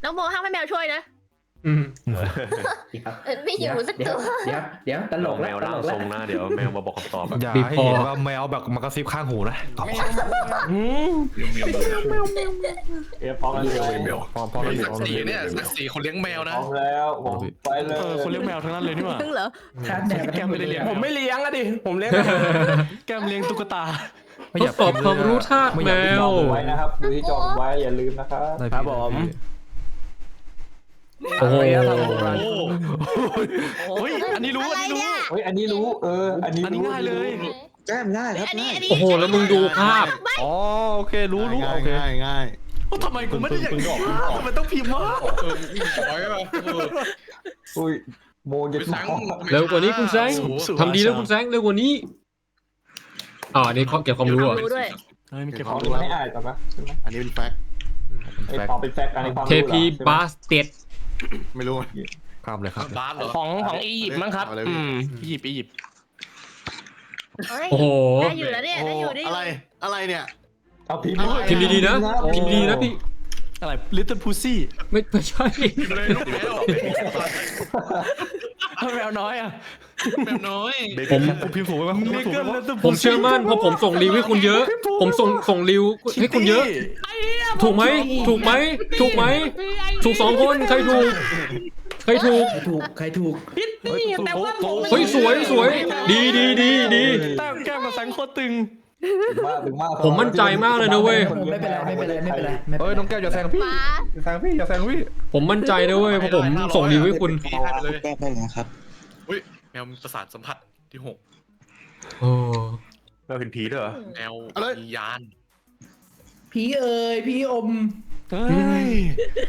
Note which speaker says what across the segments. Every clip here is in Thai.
Speaker 1: น้องโมห้ามให้แมวช่วยนะ
Speaker 2: ไม่อยู่สักตัว
Speaker 3: เดี๋ยวตลก
Speaker 4: แม
Speaker 3: แล้ว
Speaker 4: วร่างทรงนะเดี๋ยวแมวมาบอกคำตอบ
Speaker 5: อย่าให้เห็นว่าแมวแบบมากระซิบข้างหูนะตอบ
Speaker 6: พร้อมแล้ว
Speaker 5: พร้อมแล้ว
Speaker 7: สักสีเนี่ยสักสีคนเลี้ยงแมวนะ
Speaker 6: พร้อมแล้วผมไปเลย
Speaker 5: คนเลี้ยงแมวทั้งนั้นเลยนี่หว่า
Speaker 1: จริงเหรอ
Speaker 5: แก้มไม่ได้เลี้ยง
Speaker 3: ผมไม่เลี้ยงอะดิผมเลี้ยง
Speaker 5: แก้มเลี้ยงตุ๊กตา
Speaker 8: ทดสอบความรู้ทาสแมว
Speaker 6: ไว้นะครับดูที่จอไว้อย่าลืมนะครับ
Speaker 3: ครับผม
Speaker 8: โอ้โห
Speaker 5: เฮ้ยอันนี้รู้อันนี้รู้
Speaker 6: เฮ้ยอันนี้รู้อันนี้
Speaker 5: ง่ายเลย
Speaker 6: แก้มง่ายครับ
Speaker 1: อันนี้
Speaker 8: โอ้โหแล้วมึงดูภาพ
Speaker 5: อ๋อโอเครู้โอเค
Speaker 7: ง่าย
Speaker 5: ทำไมกูไม่ได้อย่างนี้มันต้องพิมพ์ว่า
Speaker 7: ร้อยป่ะ
Speaker 6: อุ้ยโมเย็ด
Speaker 8: เร็วกว่านี้คุณแซงทำดีแล้วคุณแซงเร็วกว่านี้อันนี้เก็บความรู้อ่ะ
Speaker 1: รู้ด้วย
Speaker 5: มีเก็บ
Speaker 6: ข
Speaker 5: ข
Speaker 6: อ
Speaker 5: อง ง
Speaker 6: ดูให้อ่านก่อนปะ
Speaker 7: อันนี้เป็นแฟกต์
Speaker 6: ไอ้พอเป็นแฟกต์อันนี้ความ
Speaker 8: เทพีบาสเต็ด
Speaker 7: ไม่รู้
Speaker 5: ครับเลยครับ
Speaker 7: บาสเหรอ
Speaker 3: ของอียิปต์มั้งครับ
Speaker 5: อียิปต์
Speaker 8: โอ้โห
Speaker 1: ได้อยู่แล้วเนี่ยได้อยู่ได้อยู่
Speaker 7: อะไรเนี่ย
Speaker 6: เอาพิมพ์
Speaker 8: พิมพ์ดีๆนะพิมพ์ดีๆนะพี่
Speaker 5: อะไร Little Pussy
Speaker 8: ไม่ใช่
Speaker 7: เลยลูกแมว
Speaker 5: แมวน้อยอ่ะ
Speaker 7: แมวน้อย
Speaker 5: ผมพิมพ์ถูกไหมถูก
Speaker 8: ผมเชื่อมั่นเพราะผมส่งรีวิวให้คุณเยอะ ผมส่งรีวิวให้คุณเยอะ ถูกไหมถูกสองคนใครถูก
Speaker 3: ใครถูก
Speaker 5: แต่ว่า
Speaker 8: เฮ้ยสวยดี
Speaker 5: แต้มแก้มกับแสงโคตรตึง
Speaker 6: ถึงมาก
Speaker 8: ผมมั่นใจมากเลยนะเว้ย
Speaker 3: ไม่เป็นไร
Speaker 5: เฮ้ยน้องแก้วอย่าแซงพี่
Speaker 1: ฟ้า
Speaker 5: อย่าแซงพี่
Speaker 8: ผมมั่นใจนะเว้ยเพราะผมส่งรีวิวให้คุณ
Speaker 7: เลย
Speaker 6: แก้ได้แล้วครับ
Speaker 7: แมวมีประสาทสัมผัสที่6
Speaker 8: โอ้
Speaker 4: แมวเห็นผีด้วยเหรอ
Speaker 7: แมวมียาน
Speaker 3: ผีพี่อม
Speaker 5: เฮ้ย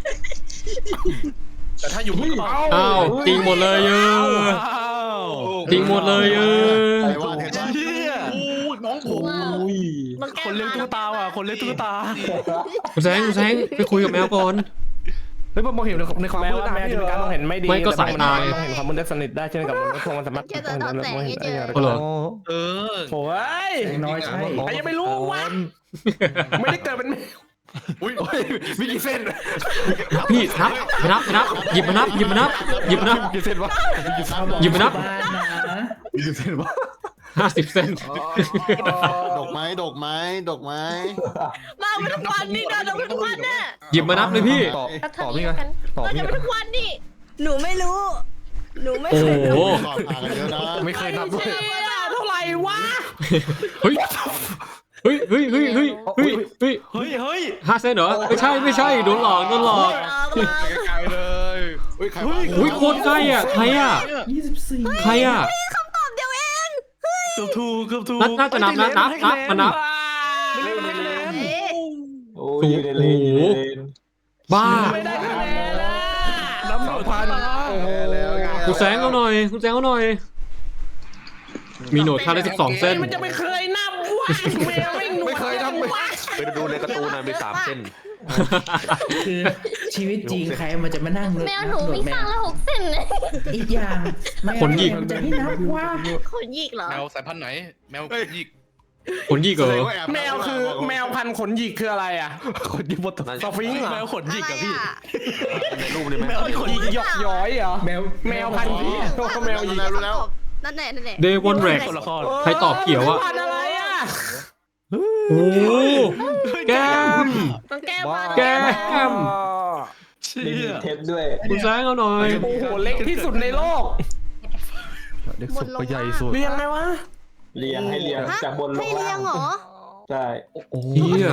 Speaker 7: แต่ถ้าอยู่บนเขา
Speaker 8: อ้าวจริงหมดเลยจริงหมดเลย
Speaker 7: ใครว่าเห็น
Speaker 5: เฮีย
Speaker 7: น้องผม
Speaker 1: น้องแก้
Speaker 5: คนเลี้ยงตุ๊กตาว่ะคนเลี้ยงตุ๊กตา
Speaker 8: คุณแซงไปคุยกับแมวก่อน
Speaker 5: เฮ้ยมองเห็นในความ
Speaker 3: แม้
Speaker 5: มืด
Speaker 3: ว่าแมวจะมีการมองเห็นไม่ดี
Speaker 8: ไม่ก็สายตา
Speaker 3: มองเห็นความมืดได้สนิทได้เช่นกับมนุษย์พวกมันสามารถ
Speaker 1: แค่จะทำแสงให้เจอ
Speaker 8: ก็เหรอ
Speaker 7: เออ
Speaker 3: โอ้ยน้อยใช่ใครยังไม่รู้วะไม่ได้เกิดเป็นแมว
Speaker 7: อุ้ย
Speaker 5: มีกี่เส้น
Speaker 8: พี่นับหยิบมานับ
Speaker 5: กี่เส้นวะ
Speaker 8: หยิบมานับ
Speaker 5: กี่เส้นวะ
Speaker 8: 50 เซน
Speaker 7: ดอกไม้
Speaker 1: มาเป็นทุกวันนี่นะเราเป็นทุกวันน่ะ
Speaker 8: หยิบมานับเลยพี่
Speaker 5: ต่อพี่กันต่อ
Speaker 1: เรา
Speaker 5: พี่
Speaker 1: จะ
Speaker 5: กั
Speaker 1: เป็น นทุกวันนี่หนูไม่รู้ หนูไม่
Speaker 8: โอ้
Speaker 1: เคย
Speaker 8: โห
Speaker 7: ต่อทางกันเยอะนะ
Speaker 5: ไม่เคยนับด้วย
Speaker 3: เท่าไหร่วะ
Speaker 8: เฮ้ย5 เซนเหรอไม่ใช่โดนหลอก
Speaker 1: ออกมา
Speaker 7: ไกลเลยใคร
Speaker 8: อุ้ยโคตรใกล้อ่ะใครอ่ะ
Speaker 3: 24
Speaker 8: ใครอ่ะ
Speaker 1: คำตอบเดียวเอง
Speaker 5: เกือบถูก
Speaker 8: น่าจะนับนะนับมานับ
Speaker 6: โอ้ยเลน
Speaker 8: บ้า
Speaker 3: ไม่ได้คะแนนละ
Speaker 5: น้ำ2,000
Speaker 7: แล้ว
Speaker 8: คุณแซงเอาหน่อยมีโหนดค่าได้12 เส้น
Speaker 3: มันจะไม่เคยนับวะแมวไม่เคยนับ
Speaker 4: ไปดูในการ์ตูนนะมี3 เส้น
Speaker 3: คือชีวิตจริงใครมันจะมานั่ง
Speaker 2: แมวหนูมีข้างละ6 เส้นเลย
Speaker 3: อีกอย่างจะให้นับว่า
Speaker 1: คนหยิกเหรอ
Speaker 7: แมวสายพันธุ์ไหนแมวหยิก
Speaker 8: คนยี่เกอ
Speaker 3: แมวคือแมวพันธุ์ขนหยิกคืออะไรอ่ะ
Speaker 5: คนยี่บด
Speaker 3: สฟิงค์เหรอ
Speaker 5: แมวขนหยิกอะพี่
Speaker 4: ในรูปนี่ไหม
Speaker 5: แมวที่ขนหยิก
Speaker 3: หยอกย้อยเหรอแมวพันธุ์ผีแมวหยิก
Speaker 7: รู้แล้ว
Speaker 1: นั่นแหละ
Speaker 8: เดวอนแรก
Speaker 5: คนละคร
Speaker 8: ใครตอบเขียวอะ
Speaker 3: พันธุ์อะไรอ่ะ
Speaker 8: โอ้แก้ม
Speaker 1: ต้องแก้มา
Speaker 8: แก้ม
Speaker 5: เชี่
Speaker 6: มี
Speaker 5: ย
Speaker 6: เทปด้วย
Speaker 8: คุณแซงเอาหน่อย
Speaker 3: โอ้โหเล็กที่สุดในโลก
Speaker 5: เด็กสุดก็ใหญ่สุด
Speaker 3: เรียงไงวะ
Speaker 6: เรียงให้เรียงจากบนล
Speaker 1: ให้
Speaker 6: ง
Speaker 1: เลี้
Speaker 6: ล่าย
Speaker 1: ง
Speaker 6: ง
Speaker 1: เหรอ
Speaker 6: ใช่
Speaker 8: เฮีย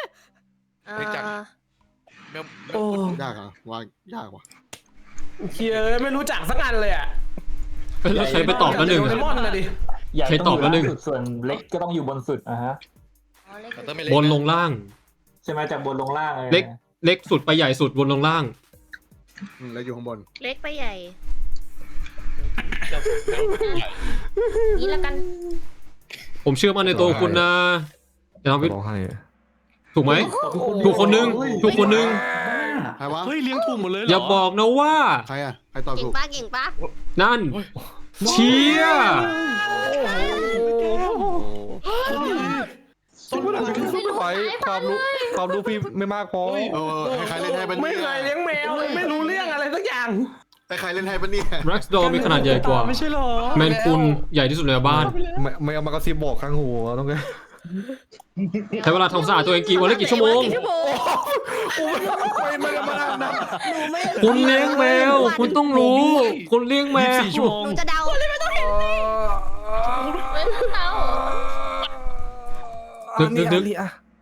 Speaker 7: แมว
Speaker 3: โอ้
Speaker 7: ยากอ่ะว่ายากว่ะ
Speaker 3: เคียไม่รู้จักสักอันเลยอ่ะ
Speaker 8: แล้วใครไปตอบแล้วหนึ่ง
Speaker 3: โดเรมอนนะดิ
Speaker 6: ใหญ่
Speaker 8: ใครตอบแล้วหนึ่ง
Speaker 6: ส่วนเล็กก็ต้องอยู่บนสุดฮะ
Speaker 8: บนลงล่าง
Speaker 6: ใช่ไหมจากบนลงล่าง
Speaker 8: เล็กสุดไปใหญ่สุดบนลงล่าง
Speaker 7: แล้วอยู่ข้างบน
Speaker 1: เล็กไปใหญ่
Speaker 2: นี่ละกัน
Speaker 8: ผมเชื่อมั่นในตัวคุณนะเดี๋ยวทำ
Speaker 5: ร้องไห้
Speaker 8: ถูกไหมถูกคนนึง
Speaker 7: ใครวะ
Speaker 5: เฮ้ยเลี้ยงถูกหมดเลยเหรอ
Speaker 8: อย่าบอกนะว่า
Speaker 7: ใครอ่ะใครตอบ
Speaker 1: เก่
Speaker 7: ถู
Speaker 1: ง
Speaker 7: ก
Speaker 1: ปะเก่งปะ
Speaker 8: นั่นเชีย
Speaker 5: ต้นไม้
Speaker 3: ไม่ไหวความรู้พี่ไม่มากพอ
Speaker 7: ให้ใครเล่นให้ปะ
Speaker 3: ไม่
Speaker 7: เนี่ย
Speaker 3: เคยเลี้ยงแมวไม่รู้เรื่องอะไรสักอย่าง
Speaker 7: ให้ใครเล่นให้ปะเนี่ย
Speaker 8: แร็กซ์ดอร์มีขนาดใหญ่กว่า
Speaker 5: ไม่ใช่หรอ
Speaker 8: แมนคูนใหญ่ที่สุดในบ้าน
Speaker 3: ไม่เอามากระซิบบอกข้างหูต้องไง
Speaker 8: ใช้เวลาทำสะอาดตัวเองกี่วันละกี่ชั่วโมง
Speaker 1: กี่ชั่วโมง
Speaker 3: ไม่ได้มานะ
Speaker 1: หนูไม่
Speaker 8: คุณเลี้ยงแมว คุณต้องรู้ คุณเลี้ยงแมว
Speaker 5: 24 ชั่วโมง
Speaker 1: หนูจะเดาเลยไม่ต้องเห็น
Speaker 2: ไม่ต้องเดา
Speaker 8: นึก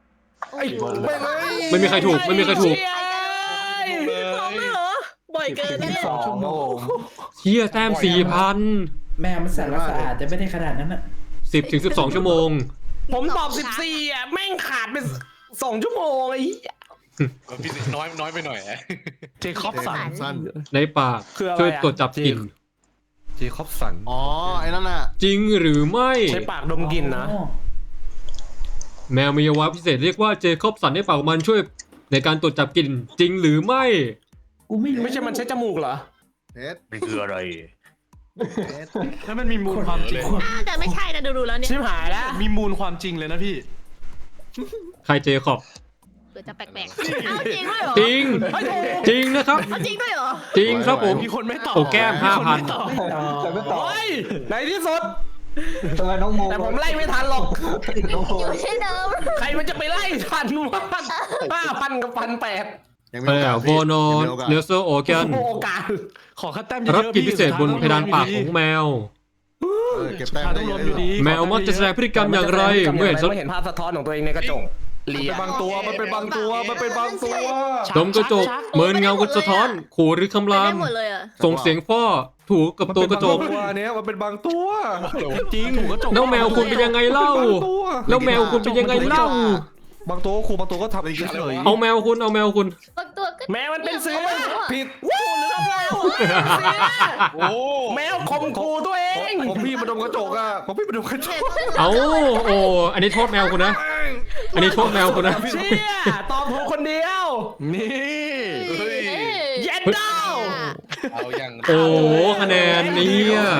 Speaker 8: ไม่มีใครถูกไม่มีใครถูก
Speaker 1: สองเลยเหรอบ่อยเกินนะเนี่ย
Speaker 6: 2 ชั่วโมง
Speaker 8: เชี่ยแต้ม 4,000
Speaker 9: แม่มันสารสะอาดจะไม่ได้ขนาดนั้นอ่ะ
Speaker 8: 10 ถึง 12 ชั่วโมง
Speaker 3: ผมตอบ14อ่ะแม่งขาดไป2 ชั่วโมงไอ้
Speaker 5: พี่น้อยไปหน่อยเจคอบสัน
Speaker 7: สั้น
Speaker 8: ในปากช่วยตรวจจับกลิ่น
Speaker 3: เจคอบสัน
Speaker 7: อ๋อไอ้นั่นน่ะ
Speaker 8: จริงหรือไม่
Speaker 3: ใช้ปากดมกลิ่นนะ
Speaker 9: อ๋อ
Speaker 8: แมวมีอวัยวะพิเศษเรียกว่าเจคอบสันในปากของมันช่วยในการตรวจจับกลิ่นจริงหรือไม่
Speaker 9: กูไม่รู้
Speaker 3: ไม่ใช่มันใช้จมูกเหรอ
Speaker 7: เท็ด
Speaker 4: นี่คืออะไร
Speaker 7: เท็ด
Speaker 5: ถ้ามันมีมูลความจริง
Speaker 1: น่าจะไม่ใช่นะดูแล้วเนี่ย
Speaker 3: ชิบหายแล้ว
Speaker 5: มีมูลความจริงเลยนะพี่
Speaker 8: ใครเจคอบ
Speaker 1: เผื่อจะแปลกๆเอาจริงด้วยเหรอ
Speaker 8: จริง จริงนะครับ
Speaker 1: เอาจริงด้วยเหรอ
Speaker 8: จริงครับผม
Speaker 5: มีคนไม่ตอบ
Speaker 8: โอ้แก้ม
Speaker 5: คนไม่ตอบ
Speaker 6: แต่ไม่ตอบ
Speaker 3: โอ้ยในที่สุด
Speaker 6: ทำไมน้องโม
Speaker 3: แต่ผมไล่ไม่ทันหรอก
Speaker 6: น้องโม
Speaker 2: อยู่ที่เดิม
Speaker 3: ใครมันจะไปไล่ทันวะ5,000 กับ 1,800
Speaker 7: ยังมี
Speaker 8: เอ
Speaker 7: โอกา
Speaker 8: อ
Speaker 7: ส
Speaker 8: โบโน
Speaker 7: ยังมีโอกาส
Speaker 8: เนลเซอร์โอเกน
Speaker 3: โอกาส
Speaker 5: ขอคัดแต้มเยอะๆ
Speaker 8: รับกิจพิเศษบนเพดานปากของแมว
Speaker 7: เก็บแต้ม
Speaker 5: ต้
Speaker 7: ได้
Speaker 5: อง
Speaker 7: เย
Speaker 5: รว
Speaker 7: อะ
Speaker 5: มอยู่ดี
Speaker 8: แมวมักจะแสดงพฤติกรรมอย่างไรเมื่อเห็น
Speaker 3: เห็นภาพสะท้อนของตัวเองในกระจกเลีย
Speaker 7: บางตัวมันเป็นบางตัวมันเป็นบางตัว
Speaker 8: ดมกระจกเหมือนเงากระท้อน ขู่หรือคำราม
Speaker 1: ได้หมดเลยอ่ะ
Speaker 8: ส่งเสียงฟ้อถูกับตัวกระจก
Speaker 3: ตัวเนี้ยมันเป็นบางตัว
Speaker 5: จริงถูกกระจก
Speaker 8: แล้วแมวคุณเป็นยังไงเล่า แล้วแมวคุณเป็นยังไงเล่า
Speaker 3: บางตัวครูบางตัวก็ทำเองเฉย
Speaker 8: เอาแมวคุณเอาแมวคุณ
Speaker 2: บางตัวก็
Speaker 3: แมวมันเป็นเสือผิดวู้หรือเปล่า
Speaker 5: โอ้
Speaker 3: แมวข่มขู่ตัวเอง
Speaker 7: ผมพี่มาดมกระจกอ่ะผมพี่มาดมกระจก
Speaker 8: เอาโอ้อันนี้โทษแมวคุณนะ อันนี้โทษแมวคุณนะ
Speaker 3: เชี่ยตอบถูกคนเดียว
Speaker 5: นี่
Speaker 3: เย็นดาว
Speaker 5: เอาอย่าง
Speaker 8: โอ้คะแนนเนี่ย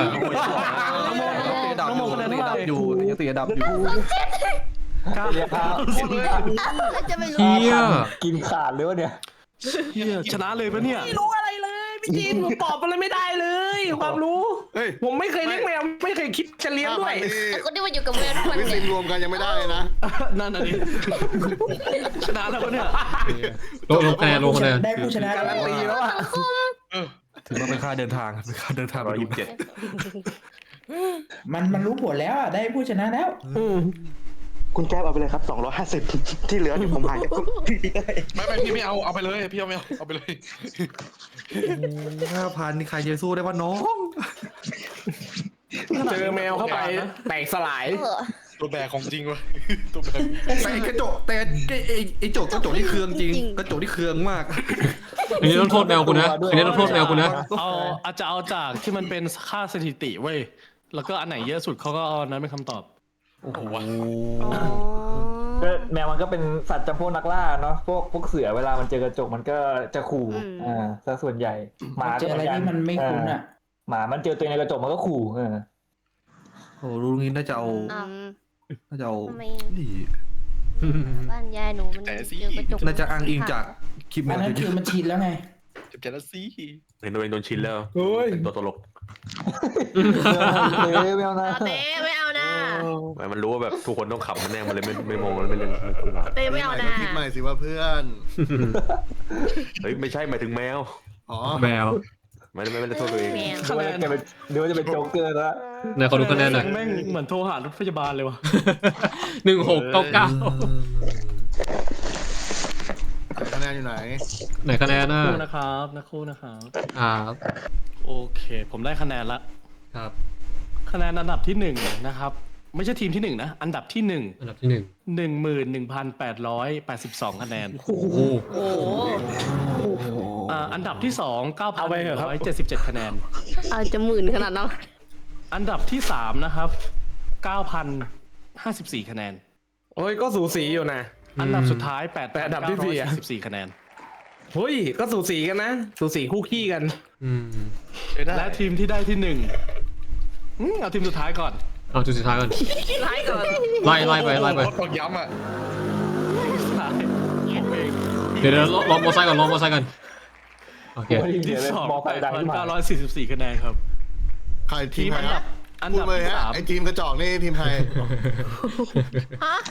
Speaker 3: น้องโมคะแนนเท่าไหร่อยู่
Speaker 6: ยังตีดับอยู่
Speaker 1: แล้วจะไม่รู้
Speaker 8: เฮีย
Speaker 6: กินขาดเลยวะเนี่ย
Speaker 5: เฮียชนะเลยปะเนี่ย
Speaker 3: ไม่รู้อะไรเลยพี่จีนผมตอบอะไรไม่ได้เลย ความรู้
Speaker 7: เฮ้ย
Speaker 3: ผมไม่เคยเลี้ยงแมวไม่เคยคิดจะเลี้ยงด้วย
Speaker 2: แต่คนที่มาอยู่กับแมวทุกวัน
Speaker 7: วิ
Speaker 2: เนี่
Speaker 7: สิ
Speaker 2: ย
Speaker 7: งรวมกันยังไม่ได้เลยนะ
Speaker 5: นั่นน่ะดิชนะแล้วปะเนี่ย
Speaker 8: ลงคะแนนลงคะแนน
Speaker 9: ได้ผู้ชนะ
Speaker 3: การันตีแล้วอ่ะถือว่าเป็นค่าเดินทางเป็นค่าเดินทางไปดู
Speaker 9: มันรู้ผลแล้วอ่ะได้ผู้ชนะแล้ว
Speaker 10: คุณแก้วเอาไปเลยครับ250ที่เหลือเดี๋ยวผมหายจากพี่ได้
Speaker 5: ไม่พี่ไม่เอาไปเลยพี่เอาไม่เอาไปเลย
Speaker 3: 5,000นี่ใครจะสู้ได้วะน้องเจอแมวเข้าไปแตกสลาย
Speaker 5: ตัวแบกของจริงวะตัวแบก
Speaker 3: แต่กระจกแต่ไอ้กระจกที่เคืองจริงกระจกที่เคืองมาก
Speaker 8: อันนี้ต้องโทษแมวคุณนะ อันนี้ต้องโทษแมวคุณนะ
Speaker 5: เอาอาจจะเอาจากที่มันเป็นค่าสถิติเว้ยแล้วก็อันไหนเยอะสุดเขาก็เอาอันนั้นเป็นคำตอบโอ้โห
Speaker 6: ก็แมวมันก็เป็นสัตว์จำพวกนักล่าเนาะพวกเสือเวลามันเจอกระจกมันก็จะขู่ซะส่วนใหญ่หมา
Speaker 9: เจออะไรที่มันไม่คุ้นอ่ะ
Speaker 6: หมามันเจอตัวเองในกระจกมันก็ขู่
Speaker 3: โอ้รู้งี้น่าจะเอา น่าจะเอา
Speaker 2: ทำไม
Speaker 3: นี่
Speaker 2: บ้านยายหนูมันเจอกระจก
Speaker 3: น่าจะอ้างอิงจากคลิปแม
Speaker 9: อัน
Speaker 3: ว
Speaker 9: นั้นคือมันชินแล้วไง
Speaker 5: เจ็บใจแล้วสิ
Speaker 4: เห็นตัวเองโดนชินแล้วเป็นตัวตลก
Speaker 6: ไม่เอานะ
Speaker 1: เต้ไม่เอานะ
Speaker 4: มันรู้ว่าแบบทุกคนต้องขับมันแน่มันเลยไม่มองมันไม่เล่น
Speaker 1: เต้ไม่เอานะ
Speaker 7: คิดมาหน่อยสิว่าเพื่อน
Speaker 4: เฮ้ยไม่ใช่หมายถึงแมว
Speaker 7: อ๋อ
Speaker 8: แมว
Speaker 4: ไม่ได้โทษตัวเอง
Speaker 1: แมว
Speaker 6: เดี๋ยวจะเป็นโจ๊กเกอร์แล้ว
Speaker 8: ไหนขอดูคะแนนหน่อย
Speaker 5: แม่งเหมือนโทรหารถพยาบาลเลยวะ
Speaker 8: 1699
Speaker 7: คะแนนอยู่ไหน
Speaker 8: ไหนคะแนนน่ะ
Speaker 5: คู่นะครับนักคู่นะครับ
Speaker 8: ครับ
Speaker 5: โอเค ผมได้คะแนนละ
Speaker 8: ครับ
Speaker 5: คะแนนอันดับที่1นะครับ ไม่ใช่ทีมที่1นะอันดับที่1
Speaker 8: อันดับที่
Speaker 5: 11,882 คะแนน
Speaker 8: 1 โอ้โห
Speaker 1: โอ้โห
Speaker 5: อันดับที่2 9,177 คะแนน
Speaker 1: อาจจะหมื่นขนาดนั้น
Speaker 5: อันดับที่3นะครับ9,054 คะแนน
Speaker 3: โอ้ยก็สูสีอยู่นะ
Speaker 5: อันดับสุดท้าย
Speaker 3: แต่อันดับที่สี่อะ
Speaker 5: 8,944 คะแนน
Speaker 3: เฮ้ยก็สูสีกันนะสูสีคู่ขี้กัน
Speaker 8: อืม
Speaker 5: และทีมที่ได้ที่1เอาทีมสุดท้ายก่อน
Speaker 8: เอาจุดสุดท้ายก่อน
Speaker 1: ไล่ก่อน
Speaker 8: ไล่ไป
Speaker 7: ต้องย้ำอ่ะ
Speaker 8: เดี๋ยวลองมอไซค์ก่อนโอเค
Speaker 6: ไม่ได้ยิน
Speaker 5: ที่
Speaker 6: เสียงเลย
Speaker 5: สอง
Speaker 6: มองไปดังขึ้นมา
Speaker 5: 944คะแนนครับ
Speaker 7: ใครทีมใครครับ
Speaker 5: อัน
Speaker 7: พูด
Speaker 5: ดับ
Speaker 7: เลย
Speaker 5: ที่
Speaker 7: ฮะ
Speaker 5: สาม
Speaker 7: ไอทีมกระจอกนี่ทีมใคร
Speaker 2: ฮะ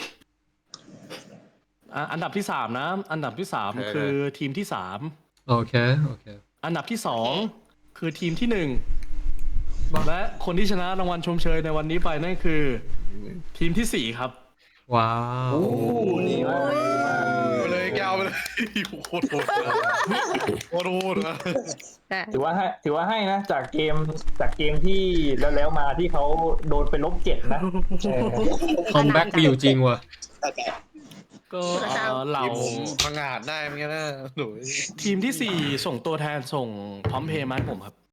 Speaker 5: อันดับที่สามนะ อันดับที่สามคือทีมที่สาม
Speaker 8: โอเค
Speaker 5: อันดับที่สองคือทีมที่หนึ่งและคนที่ชนะรางวัลชมเชยในวันนี้ไปนั่นคือ ทีมที่สี่ครับ
Speaker 8: ว้าว
Speaker 6: โอ้ดีมากดีมาก
Speaker 7: ไปเลยแกวไปเลยโคตรโหดโคตรโหด
Speaker 6: ถือว่าให้นะจากเกมที่แล้วมาที่เขาโดนไปลบ7นะเออ
Speaker 8: คอมแบ็กมีอยู่จริงว่ะ
Speaker 5: ก็เหล่า
Speaker 7: ผมพังอาจได้เหมือนกันนะหนู
Speaker 5: ทีมที่สี่ส่งตัวแทนส่งพร้อมเพย์มาให้ผมครับ